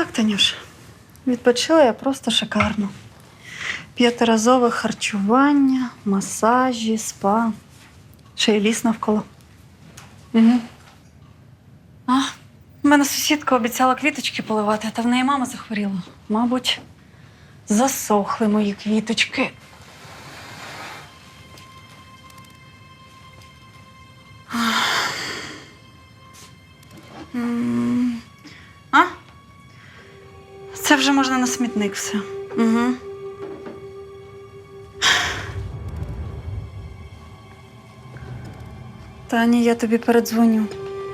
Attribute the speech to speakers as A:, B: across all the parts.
A: Так, Танюш, відпочила я просто шикарно. 5-разове харчування, масажі, спа. Ще й ліс навколо.
B: Угу.
A: У мене сусідка обіцяла квіточки поливати, та в неї мама захворіла. Мабуть, засохли мої квіточки. А? Це вже можна на смітник все. Угу. Тані, я тобі передзвоню.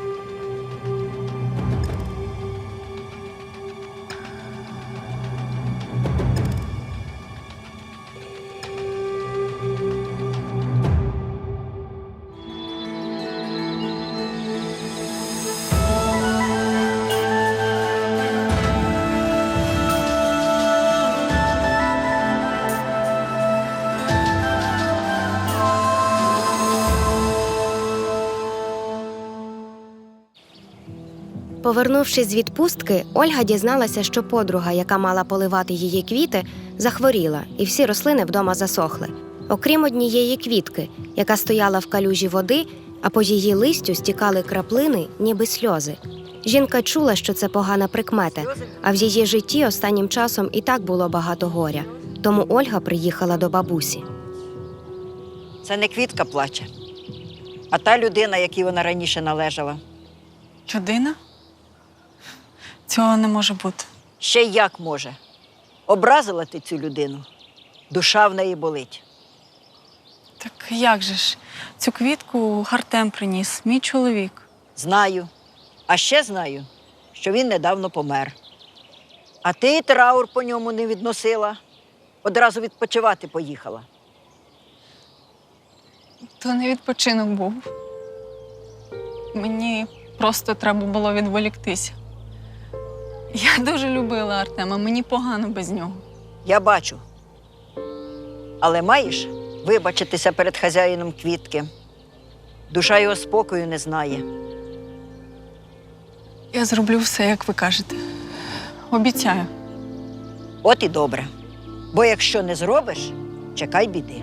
C: Повернувшись з відпустки, Ольга дізналася, що подруга, яка мала поливати її квіти, захворіла, і всі рослини вдома засохли. Окрім однієї квітки, яка стояла в калюжі води, а по її листю стікали краплини, ніби сльози. Жінка чула, що це погана прикмета, а в її житті останнім часом і так було багато горя. Тому Ольга приїхала до бабусі.
D: Це не квітка плаче, а та людина, якій вона раніше належала.
A: Людина? Цього не може бути.
D: Ще й як може. Образила ти цю людину, душа в неї болить.
A: Так як же ж? Цю квітку Артем приніс, мій чоловік.
D: Знаю. А ще знаю, що він недавно помер. А ти й траур по ньому не відносила. Одразу відпочивати поїхала.
B: То не відпочинок був. Мені просто треба було відволіктися. Я дуже любила Артема, мені погано без нього.
D: Я бачу. Але маєш вибачитися перед хазяїном квітки. Душа його спокою не знає.
B: Я зроблю все, як ви кажете. Обіцяю.
D: От і добре. Бо якщо не зробиш, чекай біди.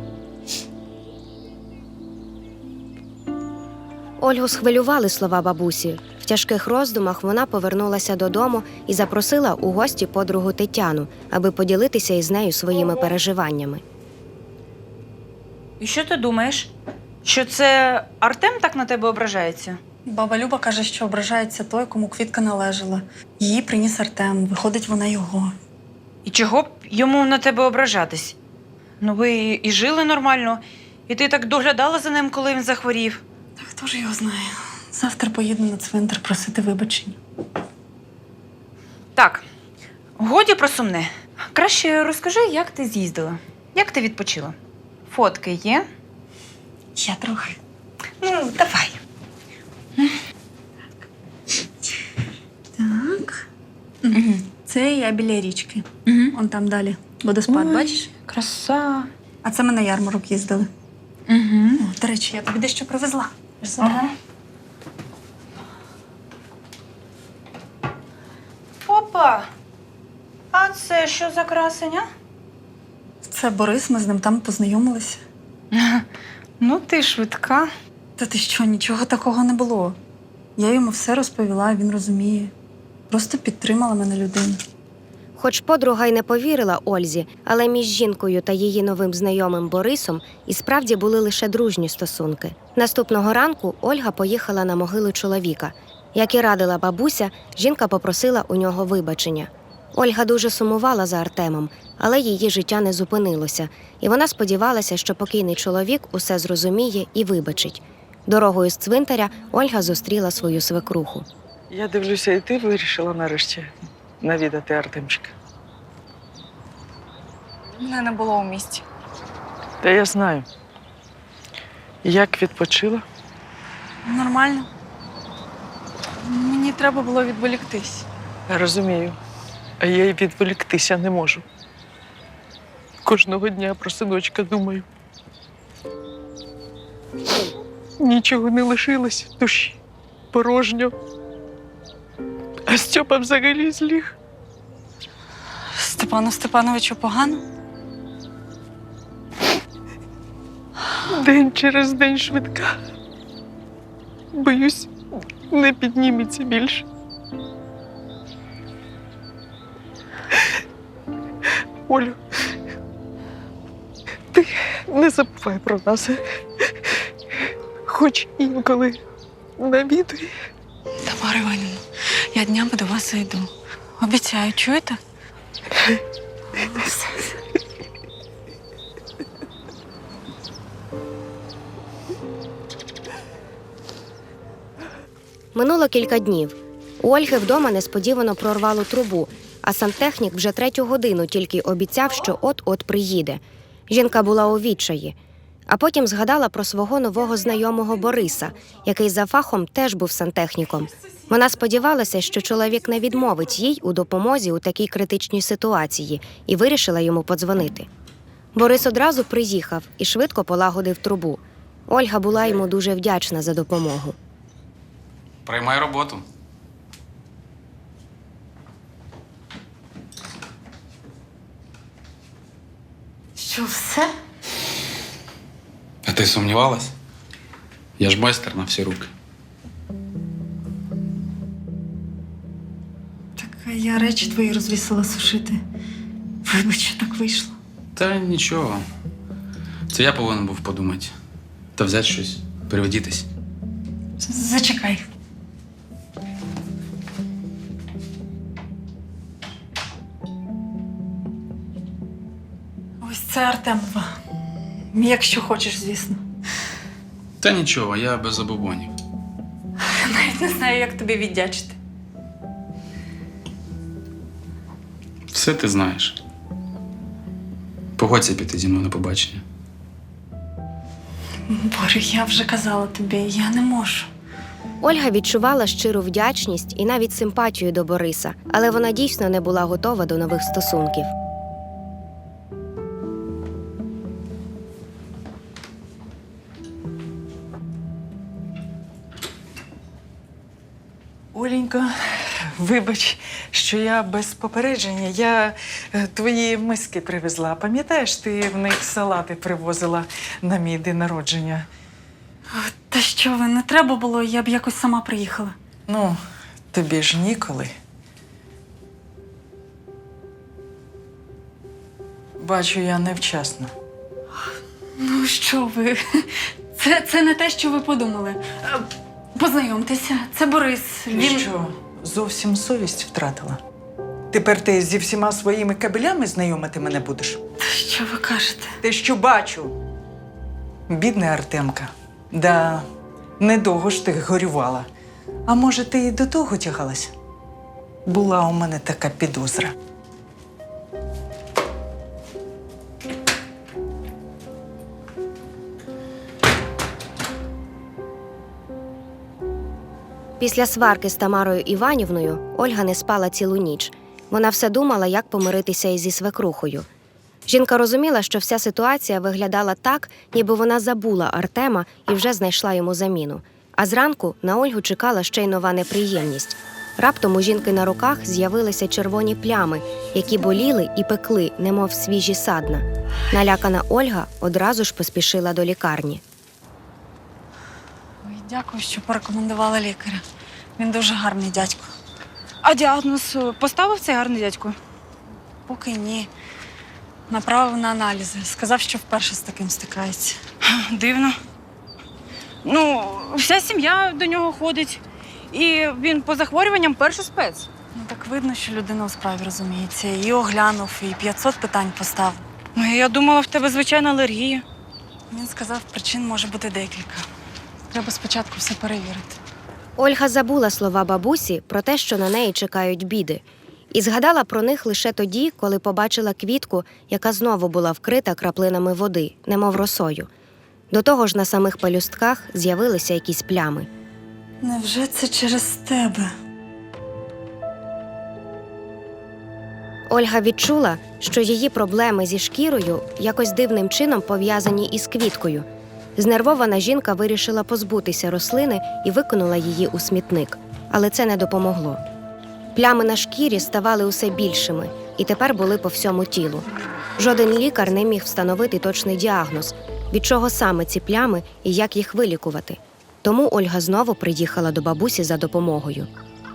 C: Ольгу схвилювали слова бабусі. В тяжких роздумах вона повернулася додому і запросила у гості подругу Тетяну, аби поділитися із нею своїми переживаннями.
E: І що ти думаєш? Що це Артем так на тебе ображається?
A: Баба Люба каже, що ображається той, кому квітка належала. Її приніс Артем, виходить, вона його.
E: І чого б йому на тебе ображатись? Ну ви і жили нормально, і ти так доглядала за ним, коли він захворів.
A: Та хто ж його знає? Завтра поїду на цвинтар просити вибачення.
E: Так, годі про сумне. Краще розкажи, як ти з'їздила, як ти відпочила. Фотки є?
A: Я трохи.
E: Ну, давай.
A: Так. Це я біля річки. Он там далі. Водоспад, бачиш?
E: Краса.
A: А це ми на ярмарок їздили.
E: Угу.
A: О, до речі, я тобі дещо привезла.
E: Ага. Опа! А це що за красення?
A: Це Борис, ми з ним там познайомилися.
E: Ну, ти швидка.
A: Та ти що, нічого такого не було. Я йому все розповіла, він розуміє. Просто підтримала мене людина.
C: Хоч подруга й не повірила Ользі, але між жінкою та її новим знайомим Борисом і справді були лише дружні стосунки. Наступного ранку Ольга поїхала на могилу чоловіка. Як і радила бабуся, жінка попросила у нього вибачення. Ольга дуже сумувала за Артемом, але її життя не зупинилося, і вона сподівалася, що покійний чоловік усе зрозуміє і вибачить. Дорогою з цвинтаря Ольга зустріла свою свекруху.
F: Я дивлюся, і ти вирішила нарешті навідати Артемчика.
B: Мене не було у місті.
F: Та я знаю. Як відпочила?
B: Нормально. Мені треба було відволіктись.
F: Розумію. А я й відволіктися не можу. Кожного дня про синочка думаю. Нічого не лишилось в душі. Порожньо. А Стьопа взагалі зліг.
B: Степану Степановичу погано?
F: День через день швидка. Боюсь, не підніметься більше. Олю, ти не забувай про нас. Хоч інколи навідуй.
B: Тамара Іванівна, я днями до вас зайду. Обіцяю, чуєте?
C: Минуло кілька днів. У Ольги вдома несподівано прорвало трубу, а сантехнік вже 3-ю годину тільки обіцяв, що от-от приїде. Жінка була у відчаї. А потім згадала про свого нового знайомого Бориса, який за фахом теж був сантехніком. Вона сподівалася, що чоловік не відмовить їй у допомозі у такій критичній ситуації, і вирішила йому подзвонити. Борис одразу приїхав і швидко полагодив трубу. Ольга була йому дуже вдячна за допомогу.
G: Приймай роботу.
A: Що, все?
G: А ти сумнівалась? Я ж майстер на всі руки.
A: Так я речі твої розвісила сушити. Вибач, що так вийшло.
G: Та нічого. Це я повинен був подумати. Та взяти щось, переведітись.
A: Зачекай. Ось це Артемова. Якщо хочеш, звісно.
G: Та нічого, я без забобонів.
A: Навіть не знаю, як тобі віддячити.
G: Все ти знаєш. Погодься піти зі мною на побачення.
A: Боря, я вже казала тобі, я не можу.
C: Ольга відчувала щиру вдячність і навіть симпатію до Бориса, але вона дійсно не була готова до нових стосунків.
F: Оленька, вибач, що я без попередження. Я твої миски привезла. Пам'ятаєш, ти в них салати привозила на мій день народження?
A: Та що ви, не треба було, я б якось сама приїхала.
F: Ну, тобі ж ніколи. Бачу, я невчасно.
A: Ну що ви, це не те, що ви подумали. Познайомтеся, це Борис.
F: Ти що, зовсім совість втратила? Тепер ти зі всіма своїми кабелями знайомити мене будеш?
A: Та що ви кажете?
F: Те, що бачу. Бідна Артемка. Да, недовго ж ти горювала. А може, ти і до того тягалась? Була у мене така підозра.
C: Після сварки з Тамарою Іванівною Ольга не спала цілу ніч. Вона все думала, як помиритися із свекрухою. Жінка розуміла, що вся ситуація виглядала так, ніби вона забула Артема і вже знайшла йому заміну. А зранку на Ольгу чекала ще й нова неприємність. Раптом у жінки на руках з'явилися червоні плями, які боліли і пекли, немов свіжі садна. Налякана Ольга одразу ж поспішила до лікарні.
B: Ой, дякую, що порекомендувала лікаря. Він дуже гарний дядько.
E: А діагноз поставив цей гарний дядько?
B: Поки ні. Направив на аналізи. Сказав, що вперше з таким стикається.
E: Дивно. Ну, вся сім'я до нього ходить. І він по захворюванням перший спец.
B: Ну так видно, що людина у справі розуміється. І оглянув, і 500 питань поставив.
E: Я думала, в тебе звичайна алергія.
B: Він сказав, причин може бути декілька. Треба спочатку все перевірити.
C: Ольга забула слова бабусі про те, що на неї чекають біди. І згадала про них лише тоді, коли побачила квітку, яка знову була вкрита краплинами води, немов росою. До того ж на самих пелюстках з'явилися якісь плями.
A: Невже це через тебе?
C: Ольга відчула, що її проблеми зі шкірою якось дивним чином пов'язані із квіткою. Знервована жінка вирішила позбутися рослини і викинула її у смітник. Але це не допомогло. Плями на шкірі ставали усе більшими і тепер були по всьому тілу. Жоден лікар не міг встановити точний діагноз, від чого саме ці плями і як їх вилікувати. Тому Ольга знову приїхала до бабусі за допомогою.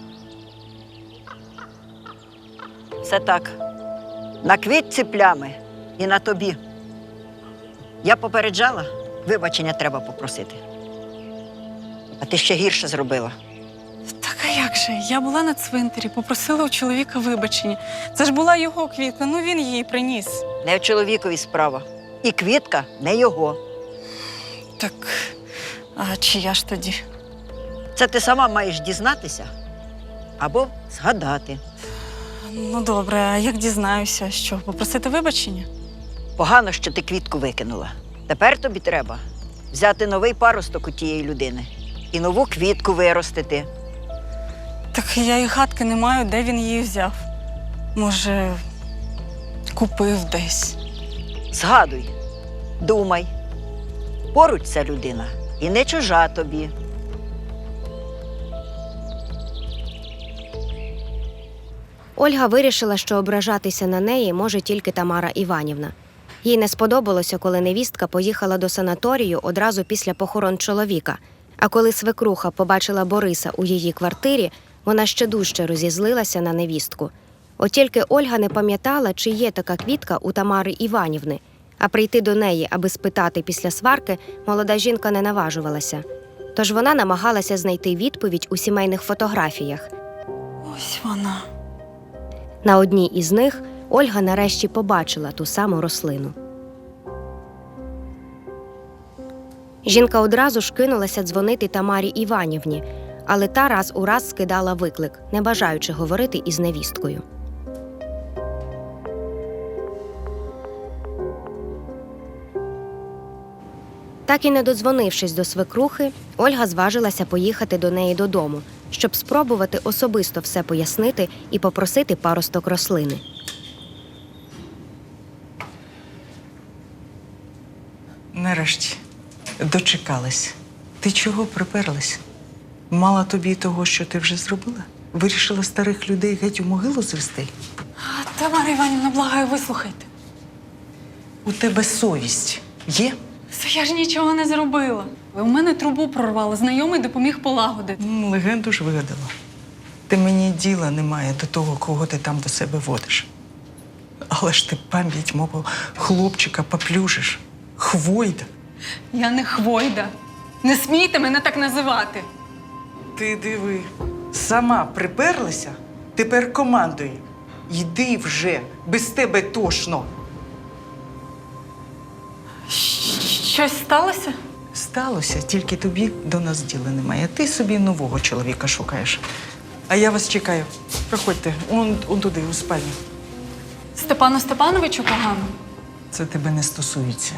D: Все так. На квітці плями і на тобі. Я попереджала, вибачення треба попросити. А ти ще гірше зробила.
B: Так а як же? Я була на цвинтарі, попросила у чоловіка вибачення. Це ж була його квітка, ну він її приніс.
D: Не в чоловікові справа. І квітка не його.
B: Так, а чия ж тоді?
D: Це ти сама маєш дізнатися або згадати.
B: Ну добре, а як дізнаюся, що попросити вибачення?
D: Погано, що ти квітку викинула. Тепер тобі треба взяти новий паросток у тієї людини і нову квітку виростити.
B: Так я і гадки не маю, де він її взяв. Може, купив десь.
D: Згадуй, думай. Поруч ця людина і не чужа тобі.
C: Ольга вирішила, що ображатися на неї може тільки Тамара Іванівна. Їй не сподобалося, коли невістка поїхала до санаторію одразу після похорон чоловіка. А коли свекруха побачила Бориса у її квартирі, вона ще дужче розізлилася на невістку. От тільки Ольга не пам'ятала, чи є така квітка у Тамари Іванівни, а прийти до неї, аби спитати після сварки, молода жінка не наважувалася. Тож вона намагалася знайти відповідь у сімейних фотографіях.
B: Ось вона.
C: На одній із них Ольга нарешті побачила ту саму рослину. Жінка одразу ж кинулася дзвонити Тамарі Іванівні, але та раз у раз скидала виклик, не бажаючи говорити із невісткою. Так і не додзвонившись до свекрухи, Ольга зважилася поїхати до неї додому, щоб спробувати особисто все пояснити і попросити паросток рослини.
F: Нарешті дочекалась. Ти чого приперлась? Мала тобі того, що ти вже зробила? Вирішила старих людей геть у могилу звести?
B: Тамара Іванівна, благаю, вислухайте.
F: У тебе совість є?
B: Це я ж нічого не зробила. У мене трубу прорвало, знайомий допоміг полагодити.
F: Легенду ж вигадала. Ти мені діла немає до того, кого ти там до себе водиш. Але ж ти пам'ять мого хлопчика поплюжиш. Хвойда.
B: Я не Хвойда. Не смійте мене так називати.
F: Ти диви, сама приперлася, тепер командує. Йди вже, без тебе тошно.
B: Щось сталося?
F: Сталося, тільки тобі до нас діла немає. Ти собі нового чоловіка шукаєш. А я вас чекаю. Проходьте, он туди, у спальню.
B: Степану Степановичу погано?
F: Це тебе не стосується.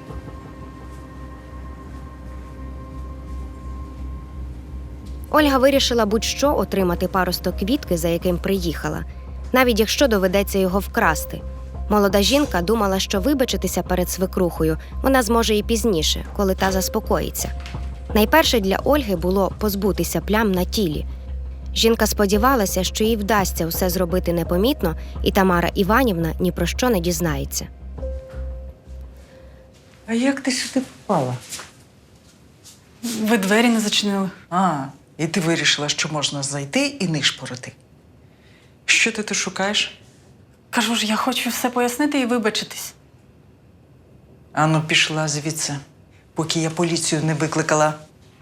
C: Ольга вирішила будь-що отримати паросток квітки, за яким приїхала, навіть якщо доведеться його вкрасти. Молода жінка думала, що вибачитися перед свекрухою вона зможе і пізніше, коли та заспокоїться. Найперше для Ольги було позбутися плям на тілі. Жінка сподівалася, що їй вдасться усе зробити непомітно, і Тамара Іванівна ні про що не дізнається.
F: А як ти сюди попала?
B: Ви двері не зачинили.
F: І ти вирішила, що можна зайти і нишпорити. Що ти тут шукаєш?
B: Кажу ж, я хочу все пояснити і вибачитись.
F: Ану, пішла звідси, поки я поліцію не викликала.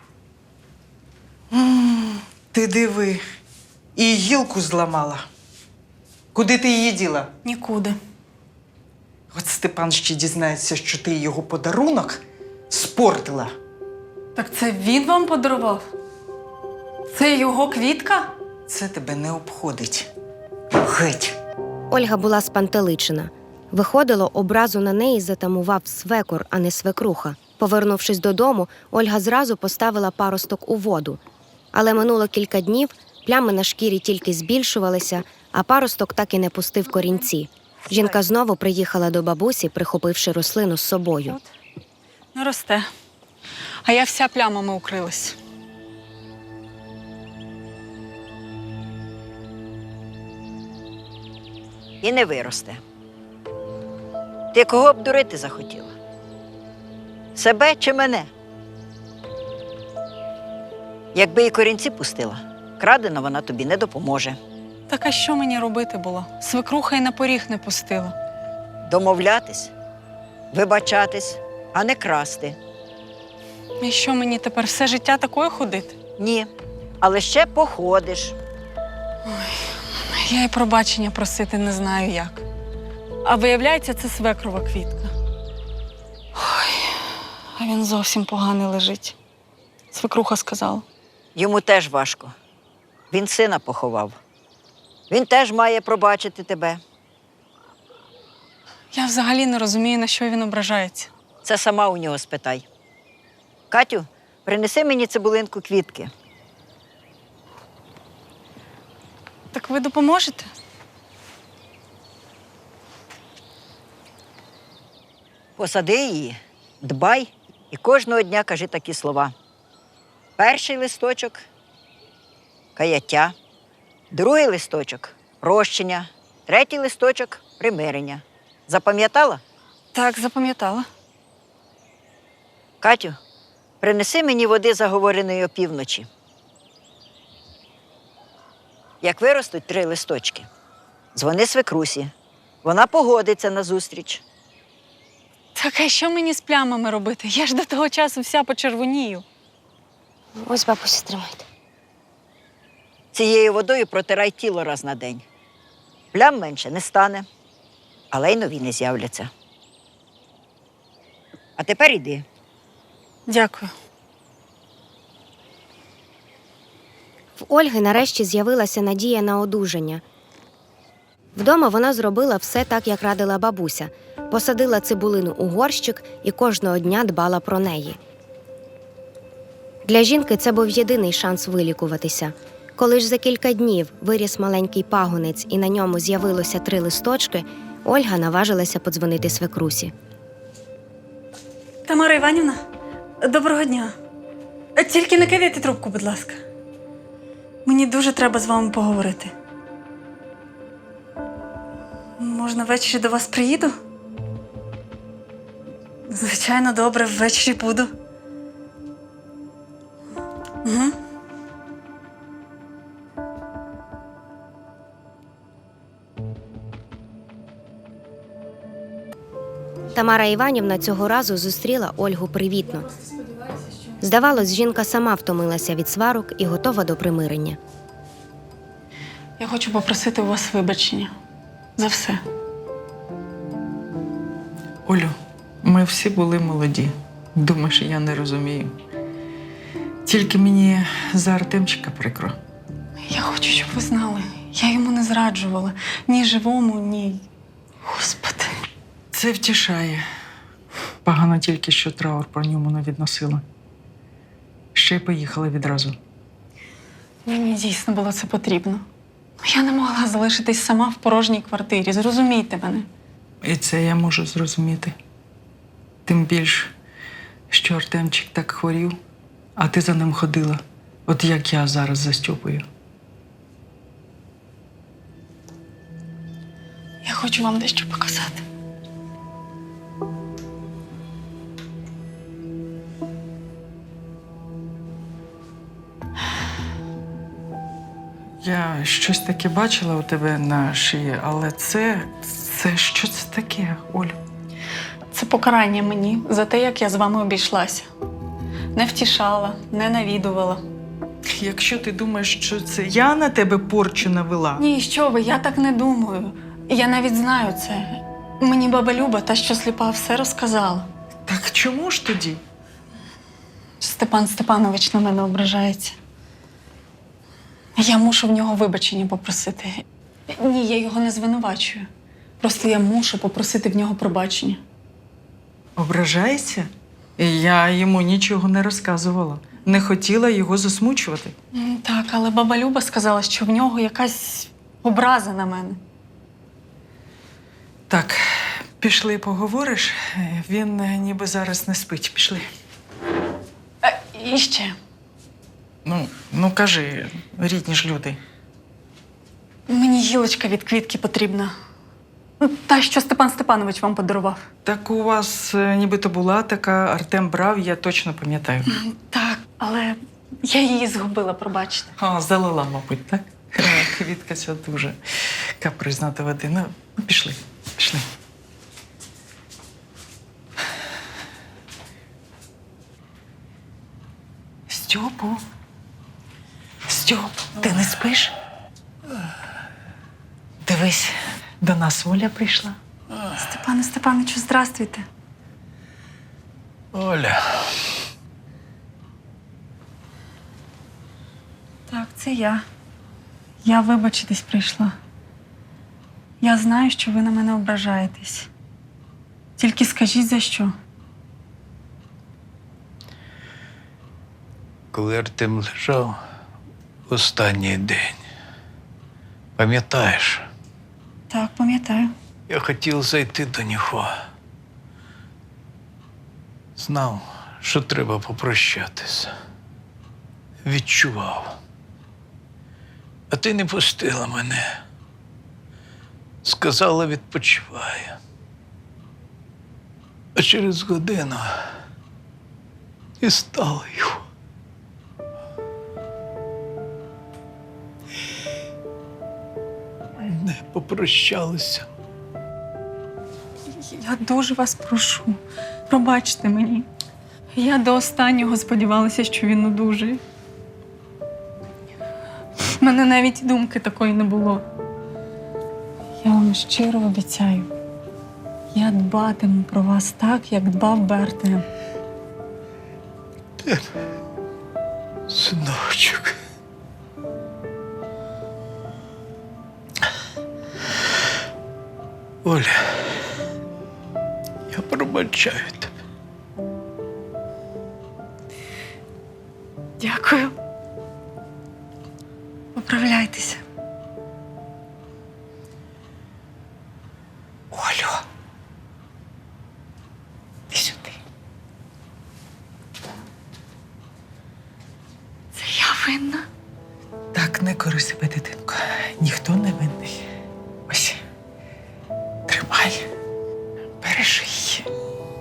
F: Ти диви, і гілку зламала. Куди ти її діла?
B: Нікуди.
F: От Степан ще дізнається, що ти його подарунок спортила.
B: Так це він вам подарував? Це його квітка?
F: Це тебе не обходить. Геть.
C: Ольга була спантеличена. Виходило, образу на неї затамував свекор, а не свекруха. Повернувшись додому, Ольга зразу поставила паросток у воду. Але минуло кілька днів, плями на шкірі тільки збільшувалися, а паросток так і не пустив корінці. Жінка знову приїхала до бабусі, прихопивши рослину з собою.
B: Не росте. А я вся плямами укрилась.
D: і не виросте. Ти кого обдурити захотіла? Себе чи мене? Якби і корінці пустила, крадена вона тобі не допоможе.
B: Так а що мені робити було? Свекруха й на поріг не пустила.
D: Домовлятись, вибачатись, а не красти.
B: І що мені тепер все життя такою ходити?
D: Ні, але ще походиш.
B: Я й пробачення просити не знаю як. А виявляється, це свекрова квітка. Ой, а він зовсім поганий лежить. Свекруха сказала.
D: Йому теж важко. Він сина поховав. Він теж має пробачити тебе.
B: Я взагалі не розумію, на що він ображається.
D: Це сама у нього спитай. Катю, принеси мені цибулинку квітки.
B: Так ви допоможете?
D: Посади її, дбай і кожного дня кажи такі слова. Перший листочок – каяття, другий листочок – прощення, третій листочок – примирення. Запам'ятала?
B: Так, запам'ятала.
D: Катю, принеси мені води заговореної опівночі. Як виростуть 3 листочки, дзвони свекрусі. Вона погодиться на зустріч.
B: Так а що мені з плямами робити? Я ж до того часу вся почервонію.
C: Ось, бабусю, тримайте.
D: Цією водою протирай тіло раз на день. Плям менше не стане, але й нові не з'являться. А тепер іди.
B: Дякую.
C: В Ольги нарешті з'явилася надія на одужання. Вдома вона зробила все так, як радила бабуся. Посадила цибулину у горщик і кожного дня дбала про неї. Для жінки це був єдиний шанс вилікуватися. Коли ж за кілька днів виріс маленький пагонець і на ньому з'явилося 3 листочки, Ольга наважилася подзвонити свекрусі.
B: Тамара Іванівна, доброго дня. Тільки не кидайте трубку, будь ласка. Мені дуже треба з вами поговорити. Можна ввечері до вас приїду? Звичайно, добре, ввечері буду. Угу.
C: Тамара Іванівна цього разу зустріла Ольгу привітно. Здавалось, жінка сама втомилася від сварок і готова до примирення.
B: Я хочу попросити у вас вибачення. За все.
F: Олю, ми всі були молоді. Думаєш, я не розумію. Тільки мені за Артемчика прикро.
B: Я хочу, щоб ви знали. Я йому не зраджувала. Ні живому, ні... Господи.
F: Це втішає. Погано тільки, що траур про ньому не відносила. Ще й поїхала відразу.
B: Мені дійсно було це потрібно. Я не могла залишитись сама в порожній квартирі. Зрозумійте мене.
F: І це я можу зрозуміти. Тим більш, що Артемчик так хворів, а ти за ним ходила. От як я зараз за Стьопою.
B: Я хочу вам дещо показати.
F: Я щось таке бачила у тебе на шиї, але це що це таке, Олю?
B: Це покарання мені за те, як я з вами обійшлася. Не втішала, не навідувала.
F: Якщо ти думаєш, що це я на тебе порчу навела,
B: Ні, що ви, я так не думаю. Я навіть знаю це. Мені баба Люба, та що сліпа, все розказала.
F: так чому ж тоді?
B: Степан Степанович на мене ображається. Я мушу в нього вибачення попросити. Ні, я його не звинувачую. Просто я мушу попросити в нього пробачення.
F: Ображається? Я йому нічого не розказувала. Не хотіла його засмучувати.
B: Так, але баба Люба сказала, що в нього якась образа на мене.
F: Так, пішли поговориш. Він ніби зараз не спить. Пішли.
B: І ще.
F: Ну кажи, рідні ж люди.
B: Мені гілочка від квітки потрібна. Та, що Степан Степанович вам подарував.
F: Так у вас нібито була така, Артем брав, я точно пам'ятаю.
B: Так, але я її згубила, пробачте.
F: А, залила, мабуть, так? Квітка ця дуже капризна та води. Ну, пішли, пішли. Стьопу. Стьоп, ти не спиш? Дивись, до нас Оля прийшла.
B: Степане Степановичу, здрастуйте.
H: Оля,
B: Так, це я. Я вибачитись прийшла. Я знаю, що ви на мене ображаєтесь. Тільки скажіть, за що?
H: коли Артем лежав в останній день, пам'ятаєш,
B: Так, пам'ятаю.
H: я хотів зайти до нього. Знав, що треба попрощатися. Відчував. А ти не пустила мене. Сказала, відпочивай. А через годину і стала його. Не попрощалися.
B: Я дуже вас прошу. Пробачте мені. Я до останнього сподівалася, що він одужає. У мене навіть думки такої не було. Я вам щиро обіцяю. Я дбатиму про вас так, як дбав би Артем.
H: Синочок. Оля, я пробачаю тебе.
B: Дякую. Поправляйтеся.
F: Олю. Ти сюди.
B: Це я винна.
F: Так, не кори себе, дитинко. Ніхто не винний. Ось. Тримай. Бережи її.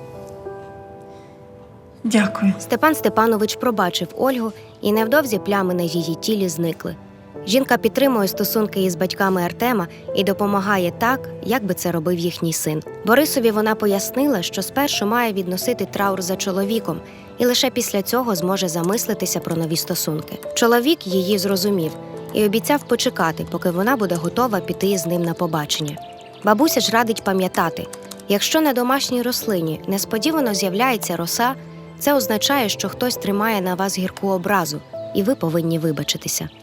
B: Дякую.
C: Степан Степанович пробачив Ольгу, і невдовзі плями на її тілі зникли. Жінка підтримує стосунки із батьками Артема і допомагає так, як би це робив їхній син. Борисові вона пояснила, що спершу має відносити траур за чоловіком, і лише після цього зможе замислитися про нові стосунки. Чоловік її зрозумів і обіцяв почекати, поки вона буде готова піти з ним на побачення. Бабуся ж радить пам'ятати, якщо на домашній рослині несподівано з'являється роса, це означає, що хтось тримає на вас гірку образу, і ви повинні вибачитися.